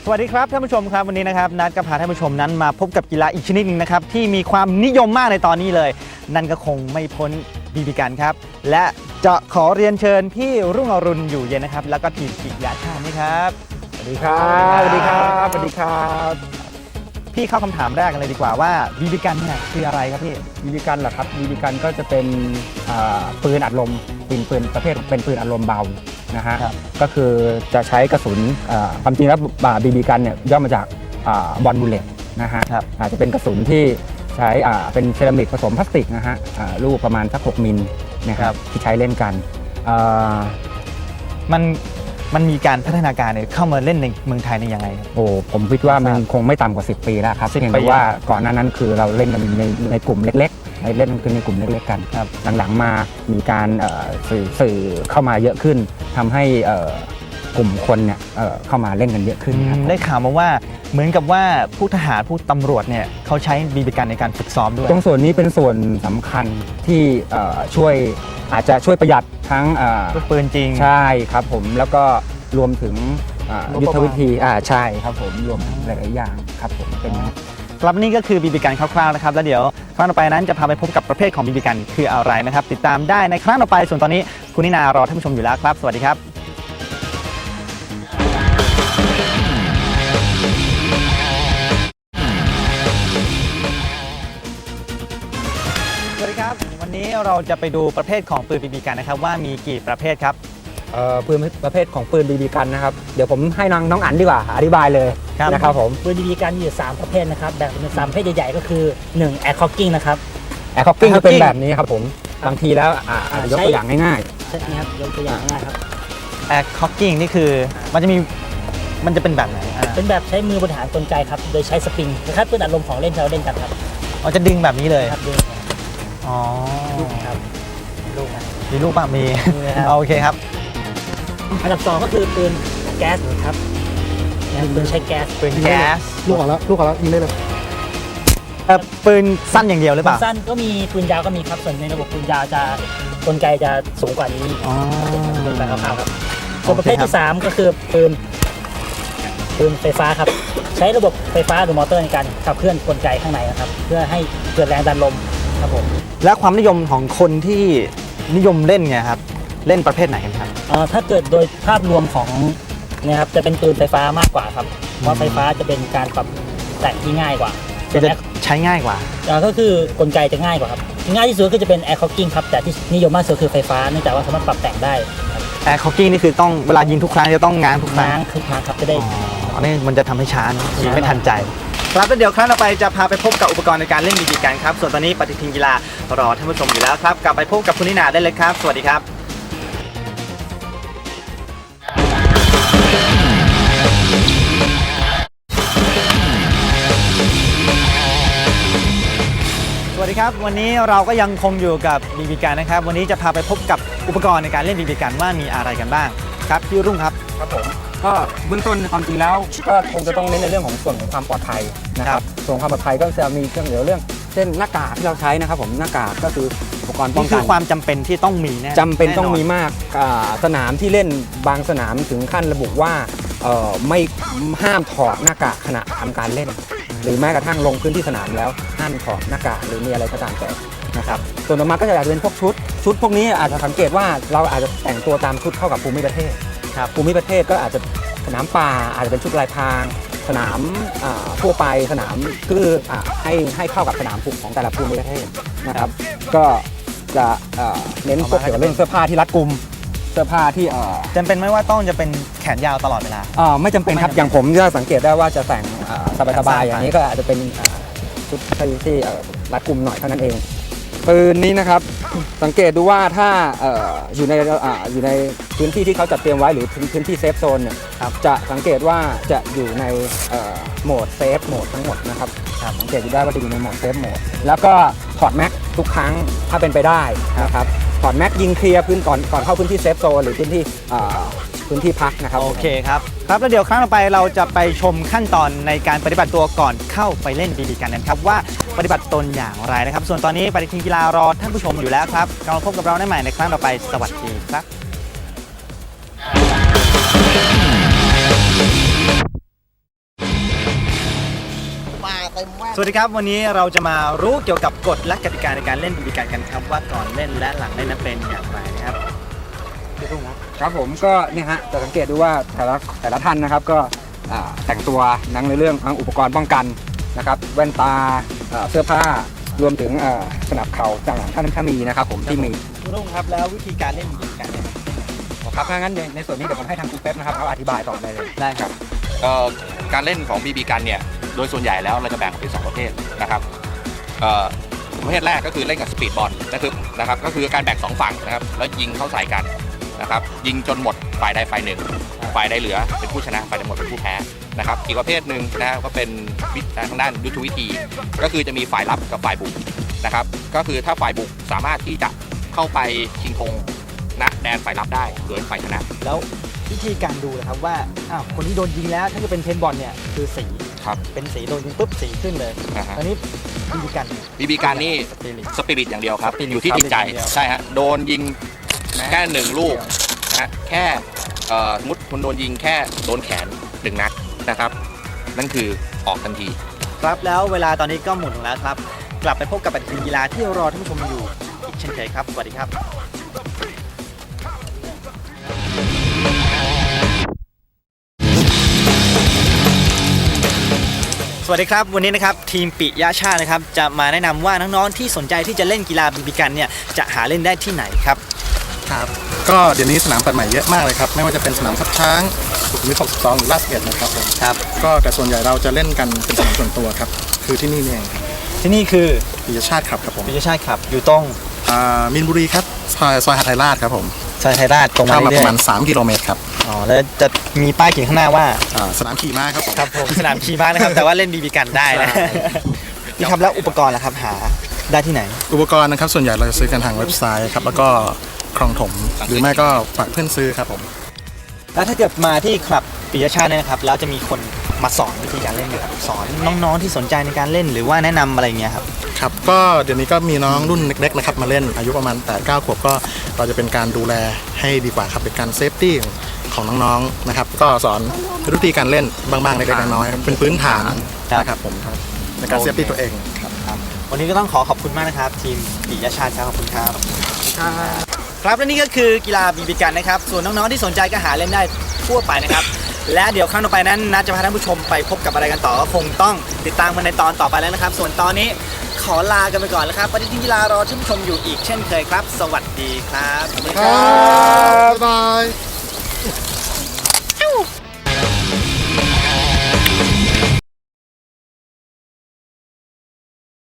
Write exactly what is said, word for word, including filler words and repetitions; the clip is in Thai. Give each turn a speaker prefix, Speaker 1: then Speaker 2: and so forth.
Speaker 1: สวัสดีครับท่านผู้ชมครับวันนี้นะครับนัดก็พาท่านผู้ชมนั้นมาพบกับกีฬาอีกชนิดหนึ่งนะครับที่มีความนิยมมากในตอนนี้เลยนั่นก็คงไม่พ้นบีบีกันครับและจะขอเรียนเชิญพี่รุ่งอรุณอยู่เย็นนะครับแล้วก็ทีมกีฬาชาตินี่ครับ
Speaker 2: สวัสดีครับสวัสดีครับสวัสดีครับ
Speaker 1: พี่เข้าคำถามแรกกันเลยดีกว่าว่าบีบีกันเนี่ยคืออะไรครับพี่
Speaker 2: บีบีกันเหรอครับบีบีกันก็จะเป็นปืนอัดลมปืนปืนประเภทเป็นปืนอัดลมเบานะฮะก็คือจะใช้กระสุนความจริงแล้วบีบีกันเนี่ยย่อมาจากบอลบูลเลตนะฮะอาจจะเป็นกระสุนที่ใช้เป็นเซรามิกผสมพลาสติกนะฮะลูกประมาณสักหกมิลนะครับที่ใช้เล่นกัน
Speaker 1: มันมันมีการพัฒนาการเนี่ยเข้ามาเล่นในเมืองไทยในยังไง
Speaker 2: โอ้ผมคิดว่ามันคงไม่ต่ำกว่าสิบปีแล้วครับเพียงแต่ว่าก่อนหน้านั้นคือเราเล่นกันในในกลุ่มเล็กๆในเล่นกันในกลุ่มเล็กๆกันหลังๆมามีการสื่อสื่อเข้ามาเยอะขึ้นทำให้กลุ่มคนเนี่ยเข้ามาเล่นกันเยอะขึ้น
Speaker 1: ได้ข่าวมาว่าเหมือนกับว่าผู้ทหารผู้ตำรวจเนี่ยเขาใช้บีบีกันในการฝึกซ้อมด้วย
Speaker 2: ตรงส่วนนี้เป็นส่วนสำคัญที่ช่วยอาจจะช่วยประหยัดทั้ง
Speaker 1: ปืนจริง
Speaker 2: ใช่ครับผมแล้วก็รวมถึงยุทธวิธีอ่าใช่ครับผมรวมหลายๆอย่างครับผมเป็น
Speaker 1: ครับนี่ก็คือบีบีกันคร่าวๆนะครับแล้วเดี๋ยวครั้งต่อไปนั้นจะพาไปพบกับประเภทของบีบีกันคืออะไรนะครับติดตามได้ในครั้งต่อไปส่วนตอนนี้คุณนินารอท่านผู้ชมอยู่แล้วครับสวัสดีครับสวัสดีครับวันนี้เราจะไปดูประเภทของปืนบีบีกันนะครับว่ามีกี่ประเภทครับ
Speaker 2: ปืนประเภทของปืนบีบีกันนะครับเดี๋ยวผมให้น้องน้องอั๋นดีกว่าอธิบายเลยนะครับผม
Speaker 3: ปืนบีบีกันมีอยู่สามประเภทนะครับแบ่งเป็นสามประเภทใหญ่ๆก็คือหนึ่ง Air Cocking นะครับ
Speaker 2: Air Cocking จะเป็นแบบนี้ครับผมบางทีแล้วอาจจะยกตัวอย่างง่าย
Speaker 3: ๆใช่ครับยกตัวอย่างง่ายครับ
Speaker 1: Air Cocking นี่คือมันจะมีมันจะเป็นแบบไหน
Speaker 3: เป็นแบบใช้มือบริหารกลไกครับโดยใช้สปริงนะครับปืนอัดลมของเล่นที่เราเล่นกันครับ
Speaker 1: อ๋อจะดึงแบบนี้เลย
Speaker 3: ครับดึง
Speaker 1: อ๋อ
Speaker 3: ลูกครับลูก
Speaker 1: มีลูกป่ะมีโอเคครับ
Speaker 3: อันดับสองก็คือปืนแก๊สครับปืนใช้แก๊ส
Speaker 1: ปืนแก๊ส
Speaker 2: ลูกออกแล้วลูกออกแล้วยิงได้เลย
Speaker 1: ปืนสั้นอย่างเดียวหรือเปล่า
Speaker 3: สั้นก็มีปืนยาวก็มีครับส่วนในระบบปืนยาวจะกลไกจะสูงกว่านี้เป็นแบบคร่าวๆครับส่วนประเภทที่สามก็คือปืนปืนไฟฟ้าครับใช้ระบบไฟฟ้าหรือมอเตอร์ในการขับเคลื่อนกลไกข้างในนะครับเพื่อให้เกิดแรงดันลมครับผม
Speaker 1: และความนิยมของคนที่นิยมเล่นไงครับเล่นประเภทไหนกันครับ
Speaker 3: ถ้าเกิดโดยภาพรวมของเนี่ยครับจะเป็นปืนไฟฟ้ามากกว่าครับเพราะไฟฟ้าจะเป็นการปรับแต่งที่ง่ายกว่า
Speaker 1: จะใช้ง่ายกว่า
Speaker 3: ก็คือกลไกจะง่ายกว่าครับง่ายที่สุดก็จะเป็น Air Cocking ครับแต่ที่นิยมมากสุดคือไฟฟ้าเนื่องจากว่าสามารถปรับแต่งได้
Speaker 1: Air Cocking นี่คือต้องเวลายิงทุกครั้งจะต้องง้างทุกครั้ง
Speaker 3: ง้างทุกครั้งครับจะได้
Speaker 1: อันนี้มันจะทำให้ช้ายิงไม่ทันใจครับแล้วเดี๋ยวครั้งต่อไปจะพาไปพบกับอุปกรณ์ในการเล่นบีบีกันครับส่วนตอนนี้ปฏิทินกีฬารอท่านผู้ชมอยู่แล้วครับกลับไปพบกับคุณนินาได้เลยครับสวัสดีครับสวัสดีครับวันนี้เราก็ยังคงอยู่กับบีบีกันนะครับวันนี้จะพาไปพบกับอุปกรณ์ในการเล่นบีบีกันว่ามีอะไรกันบ้างครับพี่รุ่งครับ
Speaker 2: ครับผมก็เบื้องต้นความจริงแล้วก็คงจะต้องเน้นในเรื่องของส่วนของความปลอดภัยนะครับส่วนความปลอดภัยก็จะมีเครื่องเดี๋ยวเรื่องเช่นหน้ากากที่เราใช้นะครับผมหน้ากากก็คืออุปกรณ์ป้องกัน
Speaker 1: คือความจำเป็นที่ต้องมีแน่
Speaker 2: จำเป็นต้องมีมากสนามที่เล่นบางสนามถึงขั้นระบุว่าไม่ห้ามถอดหน้ากากขณะทำการเล่นหรือแม้กระทั่งลงพื้นที่สนามแล้วห้ามถอดหน้ากากหรือมีอะไรก็ตามแต่นะครับส่วนต่อมาก็จะอาจจะเป็นพวกชุดชุดพวกนี้อาจจะสังเกตว่าเราอาจจะแต่งตัวตามชุดเข้ากับภูมิประเทศครับภูมิประเทศก็อาจจะสนามป่าอาจจะเป็นชุดลายพรางสนามทั่วไปสนามคือให้ให้เข้ากับสนามภูมิของแต่ละภูมิประเทศนะครับก็จะเน้นพวกเกี่ยวกับเรื่องเสื้อผ้าที่รัดกุมเสื้อผ้าที่
Speaker 1: จำเป็นไหมว่าต้องจะเป็นแขนยาวตลอดเวลา
Speaker 2: ไม่จำเป็นครับอย่างผมจะสังเกตได้ว่าจะแต่งสบายๆอย่างนี้ก็อาจจะเป็นชุดที่รัดกุมหน่อยเท่านั้นเองปืนนี้นะครับสังเกตดูว่าถ้าอยู่ในอยู่ในพื้นที่ที่เขาจัดเตรียมไว้หรือพื้นที่เซฟโซนเนี่ยจะสังเกตว่าจะอยู่ในโหมดเซฟโหมดทั้งหมดนะครับสังเกตดูได้ว่าจะอยู่ในโหมดเซฟโหมดแล้วก็ถอดแม็กทุกครั้งถ้าเป็นไปได้นะครับถอดแม็กยิงเคลียร์พื้นก่อนก่อนเข้าพื้นที่เซฟโซนหรือพื้นที่พื้นที่พักนะครับ
Speaker 1: โอเคครับครับแล้วเดี๋ยวครั้งต่อไปเราจะไปชมขั้นตอนในการปฏิบัติตัวก่อนเข้าไปเล่นบีบีกันนะครับว่าปฏิบัติตนอย่างไรนะครับส่วนตอนนี้ปฏิทินกีฬารอท่านผู้ชมอยู่แล้วครับเราพบกับเราได้ใหม่ในครั้งต่อไปสวัสดีครับสวัสดีครับวันนี้เราจะมารู้เกี่ยวกับกฎและกติกาในการเล่นบีบีกันกันครับว่าก่อนเล่นและหลังเล่นนั้นเป็นอย่างไรนะครับพี่รุ่งครับ
Speaker 2: ครับผมก็เนี่ยฮะจะสังเกตดูว่าแต่ละแต่ละท่านนะครับก็อ่าแต่งตัวนั่งในเรื่องทั้งอุปกรณ์ป้องกันนะครับแว่นตาอ่าเสื้อผ้ารวมถึงอ่าสนับเข่าต่างๆท่านถ้ามีนะครับผมที่มี
Speaker 1: พี่รุ่งครับแล้ววิธีการเล่นบีบีกันเนี่ย
Speaker 2: ครับถ้างั้นในในส่วนนี้เดี๋ยวผมให้ทางคุณเป๊ปนะครับเขาอธิบายต่อได้เลย
Speaker 1: ได้ครับ
Speaker 4: เอ่อการเล่นของ บี บี กันเนี่ยโดยส่วนใหญ่แล้วเราจะแบ่งออกเป็นสองประเภทนะครับเอ่อประเภทแรกก็คือเล่นกับสปีดบอลนะครับนะครับก็คือการแบ่งสองฝั่งนะครับแล้วยิงเข้าใส่กันนะครับยิงจนหมดฝ่ายใดฝ่ายหนึ่งฝ่ายใดเหลือเป็นผู้ชนะฝ่ายใดหมดเป็นผู้แพ้นะครับอีกประเภทหนึ่งนะก็เป็นวิธีทางด้านยุทธวิธี ก็คือจะมีฝ่ายรับกับฝ่ายบุกนะครับก็คือถ้าฝ่ายบุกสามารถที่จะเข้าไปชิงธงณแดนฝ่ายรับได้โดยฝ่ายชนะ
Speaker 1: แล้ววิธีการดูนะครับว่าอ้าวคนที่โดนยิงแล้วถ้าจะเป็นเพนบอลเนี่ยคือสี
Speaker 4: ครับ
Speaker 1: เป็นสีโดนยิงปุ๊บสีขึ้นเลย
Speaker 4: นะฮะ
Speaker 1: ตอนนี้บีบีกัน
Speaker 4: บี บี กันนี่
Speaker 1: สปิริต
Speaker 4: สปิริตอย่างเดียวครับ
Speaker 1: สปิริต
Speaker 4: อยู่ที่จิตใจ
Speaker 1: ครับอย่างเดียว
Speaker 4: ใช่ฮะโดนยิงแค่หนึ่งลูกนะฮะแค่เอ่อสมมติคุณโดนยิงแค่โดนแขนหนึ่งนัดนะครับ นั่นคือออกทันที
Speaker 1: ครับแล้วเวลาตอนนี้ก็หมดลงแล้วครับ กลับไปพบกับปฏิทินกีฬาที่รอท่านผู้ชมอยู่อีกเช่นเคยครับ สวัสดีครับ สวัสดีครับวันนี้นะครับทีมปิยะชาตินะครับจะมาแนะนำว่าน้องๆที่สนใจที่จะเล่นกีฬาบีบีกันเนี่ยจะหาเล่นได้ที่ไหนครับ
Speaker 5: ครับก็เดี๋ยวนี้สนามเปิดใหม่เยอะมากเลยครับไม่ว่าจะเป็นสนามทับช้างสุขุมวิทหกสิบสองหรือลาดสิบเอ็ดนะครับผม
Speaker 1: ครับ
Speaker 5: ก็แต่ส่วนใหญ่เราจะเล่นกันเป็นสนามส่วนตัวครับคือที่นี่นี่เองครับ
Speaker 1: ที่นี่คือ
Speaker 5: ปิยชาติครับครับผม
Speaker 1: ปิยะชาติครับอยู่ตรง
Speaker 5: อ่ามินบุรีครับซอยซอยหาดไทยราชครับผม
Speaker 1: ซอยไทยราชตรงมา
Speaker 5: เข้ามาป
Speaker 1: เรื่อ
Speaker 5: ระ
Speaker 1: ย
Speaker 5: มาณสามกิโลเมตรครับ
Speaker 1: ๆอ๋อแล้วจะมีป้ายเขียนข้างหน้าว่า
Speaker 5: อ่าสนามขี่ม้าครับผม
Speaker 1: ครับผมสนามขี่ม้านะครับแต่ว่าเล่นบีบีกันได้นะนี่ครับแล้วอุปกรณ์ล่ะครับหาได้ที่ไหน
Speaker 5: อุปกรณ์นะครับส่วนใหญ่เราจะซื้อกันทางเว็บไซต์ครับแล้วก็คลองถมหรือไม่ก็ฝากเพื่อนซื้อครับผม
Speaker 1: แล้วถ้าเกิดมาที่คลับปิยะชาติเนี่ยนะครับแล้วจะมีคนมาสอนวิธีการเล่นนะครับสอนน้องๆที่สนใจในการเล่นหรือว่าแนะนำอะไรอย่างเงี้ยครับ
Speaker 5: ครับก็เดี๋ยวนี้ก็มีน้องรุ่นเล็กๆนะครับมาเล่นอายุประมาณแปดเก้าขวบก็เราจะเป็นการดูแลให้ดีกว่าครับเป็นการเซฟตี้ของน้องๆนะครับก็สอนวิธีการเล่นบ้างๆเล็กๆน้อยๆเป็นพื้นฐานนะครับผมในการเซฟตี้ตัวเองครับ
Speaker 1: ครับวันนี้ก็ต้องขอขอบคุณมากนะครับ ทีมปิยะชาติครับขอบคุณครับครับและนี่ก็คือกีฬาบีบีกันนะครับส่วนน้องๆที่สนใจก็หาเล่นได้ทั่วไปนะครับและเดี๋ยวครั้งต่อไปนั้นนัดจะพาท่านผู้ชมไปพบกับอะไรกันต่อก็คงต้องติดตามกันในตอนต่อไปแล้วนะครับ ส่วนตอนนี้ขอลากันไปก่อนแล้วครับปฏิทินกีฬารอท่านผู้ชมอยู่อีกเช่นเคยครับ สวัสดีครับ
Speaker 5: ครับ